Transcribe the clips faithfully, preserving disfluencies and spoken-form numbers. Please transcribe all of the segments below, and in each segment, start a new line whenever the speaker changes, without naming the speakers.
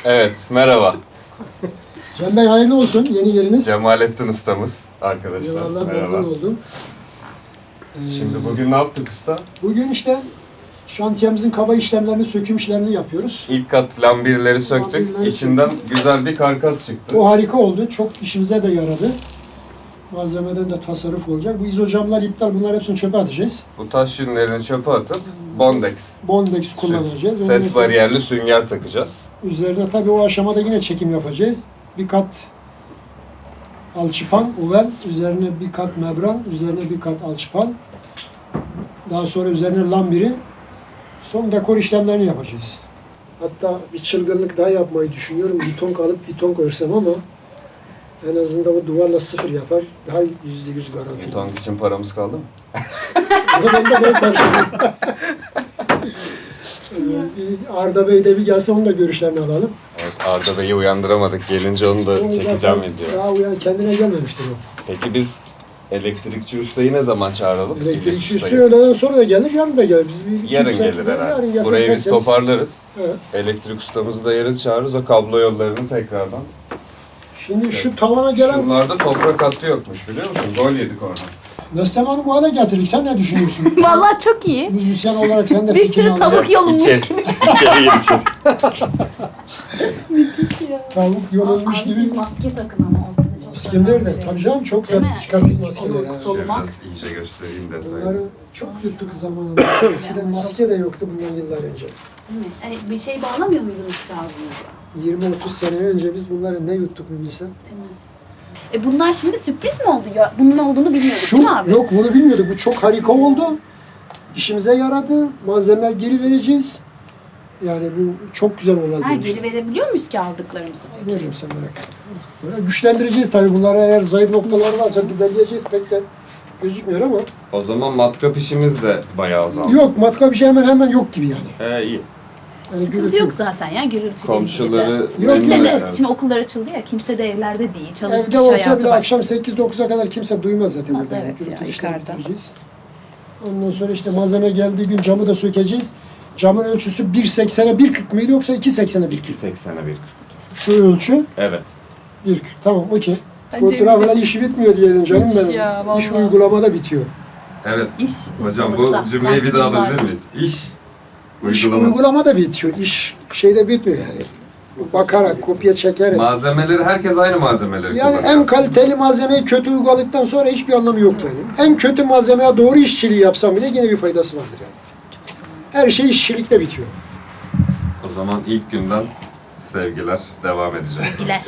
Evet, merhaba.
Cem Bey hayırlı olsun yeni yeriniz.
Cemalettin ustamız arkadaşlar.
Eyvallah,
Merhaba.
memnun oldum. Ee,
Şimdi bugün ne yaptık usta?
Bugün işte şantiyemizin kaba işlemlerini, söküm işlerini yapıyoruz.
İlk kat lambirleri söktük.
Lambirleri
İçinden
söktük.
güzel bir karkas çıktı.
O harika oldu. Çok işimize de yaradı. Malzemeden de tasarruf olacak. Bu izocamlar iptal. Bunlar hepsini çöpe atacağız.
Bu taş yünlerini çöpe atıp bondex,
Bondex kullanacağız. Ondan
ses
sonra
bariyerli sünger takacağız.
üzerine tabii o aşamada yine çekim yapacağız. Bir kat alçıpan, uvel, üzerine bir kat membran, üzerine bir kat alçıpan. Daha sonra üzerine lambiri. Son dekor işlemlerini yapacağız. Hatta bir çılgınlık daha yapmayı düşünüyorum. Biton alıp biton örsem ama en azından o duvarla sıfır yapar. Daha yüzde yüz garanti.
Beton için paramız kaldı mı?
Ama ben de ben karşılayayım. Bir Arda Bey de bir gelse onun da görüşlerini alalım.
Evet, Arda Bey'i uyandıramadık. Gelince onu da
O
çekeceğim
zaten
video.
Daha uyan kendine gelmemiştir o.
Peki biz elektrikçi ustayı ne zaman çağıralım?
Elektrikçi
İlyas
üstü
ustayı.
öğleden sonra da gelir, yarın da gelir. Biz bir, iki,
Yarın
üç saat-
gelir herhalde.
yarın gelse
Burayı biz
tertemiz.
toparlarız.
Evet.
Elektrik ustamızı da yarın çağırırız. O kablo yollarını tekrardan.
Şimdi şu tavana gelen
Şuralarda toprak hattı yokmuş biliyor musun? Gol yedik orada.
Meslem Hanım bu hale getirdik. Sen ne düşünüyorsun?
Vallahi çok iyi.
Müzisyen olarak sen de
Bir
fikrini
sürü
al.
tavuk yolunmuş
İçeri,
gibi.
içeri gir içeri.
Tavuk yorulmuş
Abi
gibi.
siz maske takın ama o size çok
İskender de
zararlı.
tabii canım çok
Değil
güzel
mi?
çıkarttık
Şey,
maskeleri.
onu
ha.
kısa-
Şöyle
Olmak.
biraz iyice göstereyim detayını.
Bunları çok yuttuk zamanında. Eskiden maske de yoktu bundan yıllar önce.
Değil mi? Yani bir şey bağlamıyor muydunuz şarjınıza?
yirmi otuz sene önce biz bunları ne yuttuk mu bilsen.
Değil mi? E bunlar şimdi sürpriz mi oldu ya? Bunun olduğunu bilmiyorduk
Şu,
değil mi abi?
yok bunu bilmiyorduk. Bu çok harika oldu. İşimize yaradı. Malzemeler geri vereceğiz. Yani bu çok güzel olay.
Ha,
benim için.
geri verebiliyor muyuz ki aldıklarımızı?
Veririm sen merak etme. Böyle güçlendireceğiz tabii. Bunlara eğer zayıf noktalar varsa düzenleyeceğiz. Pek de gözükmüyor ama.
O zaman matkap işimiz de bayağı azaldı.
Yok matka bir şey hemen hemen yok gibi yani.
He iyi.
yani
Sıkıntı
gürültü
yok zaten ya gürültü.
Komşuları...
Yok,
Kimse
yok.
de, şimdi okullar açıldı ya, kimse de evlerde değil, çalışmış
Evde olsa
hayatı
bile
var.
akşam sekiz dokuza kadar kimse duymaz zaten.
Duymaz,
burada.
evet ya,
Gürültü işlemi
yukarıda.
bitireceğiz. Ondan sonra işte malzeme geldiği gün camı da sökeceğiz. Camın ölçüsü bir seksene bir kırk mıydı yoksa iki seksene bir
iki
kırk?
seksene bir.
Şu ölçü
Evet.
bir kırk. Tamam okey.
Bence
Fotoğrafla
bir-
işi bitmiyor diyelim canım
Hiç
benim.
ya,
İş
vallahi.
uygulamada bitiyor.
Evet.
İş,
Hocam
ustalıkta.
bu cümleyi bir daha
Sen
alabilir miyiz? İş.
İş
Uygulama.
uygulamada bitiyor. İş şeyde bitmiyor yani. Bakarak, kopya çekerek.
Malzemeleri, herkes aynı malzemeleri
Yani
kullanıyor
en
aslında.
kaliteli malzemeyi kötü uyguladıktan sonra hiçbir anlamı yok yani. En kötü malzemeye doğru işçiliği yapsam bile yine bir faydası vardır yani. Her şey işçilikte bitiyor.
O zaman ilk günden sevgiler devam edeceğiz.
Sevgiler.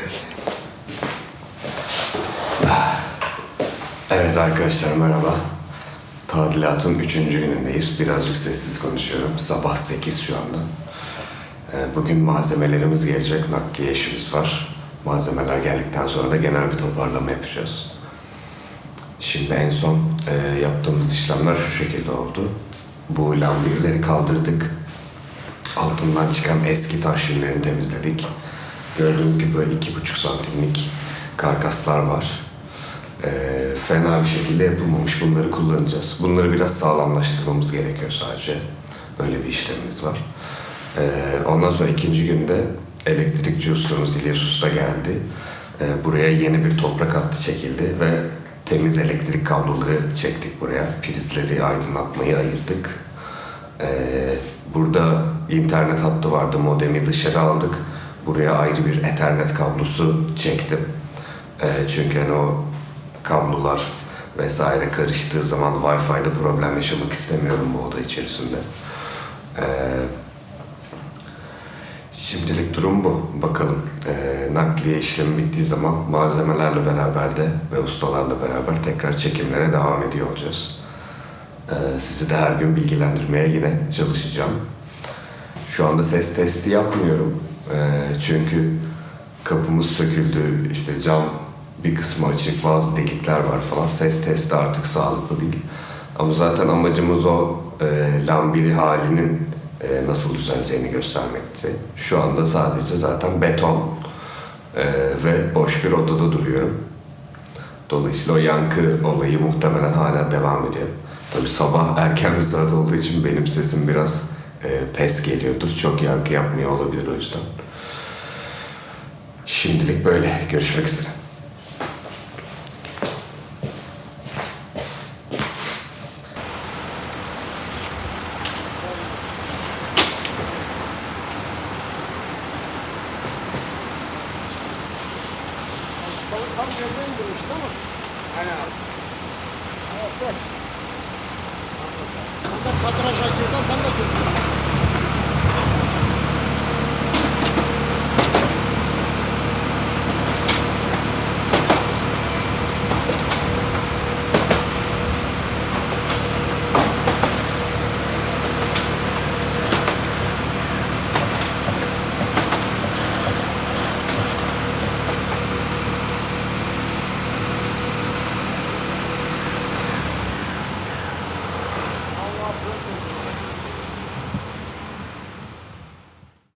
Evet arkadaşlar merhaba. Tadilatın üçüncü günündeyiz. Birazcık sessiz konuşuyorum. Sabah sekiz şu anda. Ee, Bugün malzemelerimiz gelecek. Nakliye işimiz var. Malzemeler geldikten sonra da genel bir toparlama yapacağız. Şimdi en son e, yaptığımız işlemler şu şekilde oldu. Bu lambirleri kaldırdık. Altından çıkan eski taş yünlerini temizledik. Gördüğünüz gibi böyle iki buçuk santimlik karkaslar var. Ee, fena bir şekilde yapılmamış. Bunları kullanacağız. Bunları biraz sağlamlaştırmamız gerekiyor sadece. Böyle bir işlemimiz var. Ee, ondan sonra ikinci günde elektrikçi ustamız İlyas Usta geldi. Ee, buraya yeni bir toprak hattı çekildi ve temiz elektrik kabloları çektik buraya. Prizleri, aydınlatmayı ayırdık. Ee, burada internet hattı vardı. Modemi dışarı aldık. Buraya ayrı bir Ethernet kablosu çektim. Ee, çünkü hani o kablolar vesaire karıştığı zaman Wi-Fi'de problem yaşamak istemiyorum bu oda içerisinde. Ee, şimdilik durum bu. Bakalım ee, nakliye işlemi bittiği zaman malzemelerle beraber de ve ustalarla beraber tekrar çekimlere devam ediyor olacağız. Ee, sizi de her gün bilgilendirmeye yine çalışacağım. Şu anda ses testi yapmıyorum. Ee, çünkü kapımız söküldü, işte cam bir kısmı açık, bazı delikler var falan. Ses testi artık sağlıklı değil. Ama zaten amacımız o e, lambiri halinin e, nasıl düzeleceğini göstermekti. Şu anda sadece zaten beton e, ve boş bir odada duruyorum. Dolayısıyla o yankı olayı muhtemelen hala devam ediyor. Tabii sabah erken bir saat olduğu için benim sesim biraz e, pes geliyordur. Çok yankı yapmıyor olabilir o yüzden. Şimdilik böyle. Görüşmek üzere.
Tam yerine indirmişti ama. Aynen abi. Evet, evet. Sen de kadraja girden sen de gözüküyorsun.